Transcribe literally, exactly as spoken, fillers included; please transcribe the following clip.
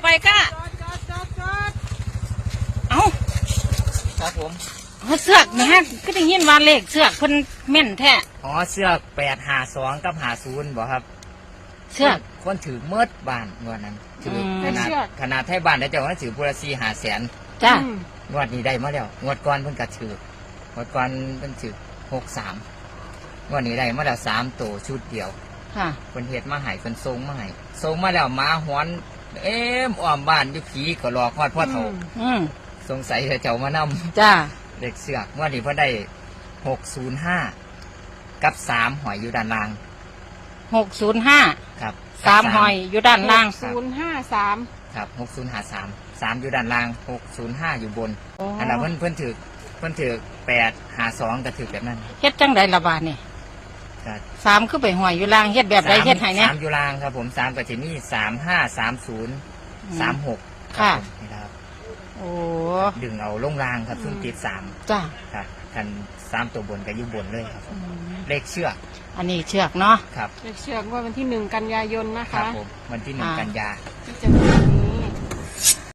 ไปก้าเอาครับผมเอาเสือกนะฮะก็ได้ยินว่าเลขเสือกเพิ่นแม่นแท้อ๋อเสือกแปดหาสองกับหาศูนย์บอกครับเสือกคนถือเมิดบ้านงวดนั้นถือขนาดขนาดไทยบ้านได้เจ้าว่าถือบุรสีหาแสนจ้างวดนี้ได้มาแล้วงวดก่อนเพิ่นกระถือ งวดก่อนเพิ่นถือหกสามงวดนี้ได้มาแล้วสามตัวชุดเดียวค่ะเพิ่นเฮ็ดมาให้เพิ่นส่งมาให้ส่งมาแล้วหมาหอนเอ็มอ้อมบ้านอยู่ผีก็รอฮอดพ่อเฒ่าอืมสงสัยจะเจ้ามานำจ้าเด็กเสือกงวดนี้เพิ่นได้หกศูนย์ห้ากับสามหอยอยู่ด้านล่างหกศูนย์ห้าครับสามหอยอยู่ด้านล่างศูนย์ห้าสามครับหกศูนย์ห้าสามสามอยู่ด้านล่างหกศูนย์ห้าอยู่บนอันนั้นเพิ่นเพิ่นถือเพิ่นถือแปดหาสองก็ถือแบบนั้นเฮ็ดจังไดละบาดนี่สามคือไปหอยอยู่ล่างเฮ็ดแบบใดเฮ็ดให้เนี่ยสามอยู่ล่างครับผมสามก็จะมีสามห้าสามศูนย์สามหกค่ะนี่ครับโอ้ดึงเอาลงล่างครับซึ่งติดสามจ้าครับคันสามตัวบนก็อยู่บนเลยครับเลขเชือกอันนี้เชือกเนาะครับเลขเชือกว่าวันที่หนึ่งกันยายนนะคะครับผมวันที่หนึ่งกันยาที่จะมี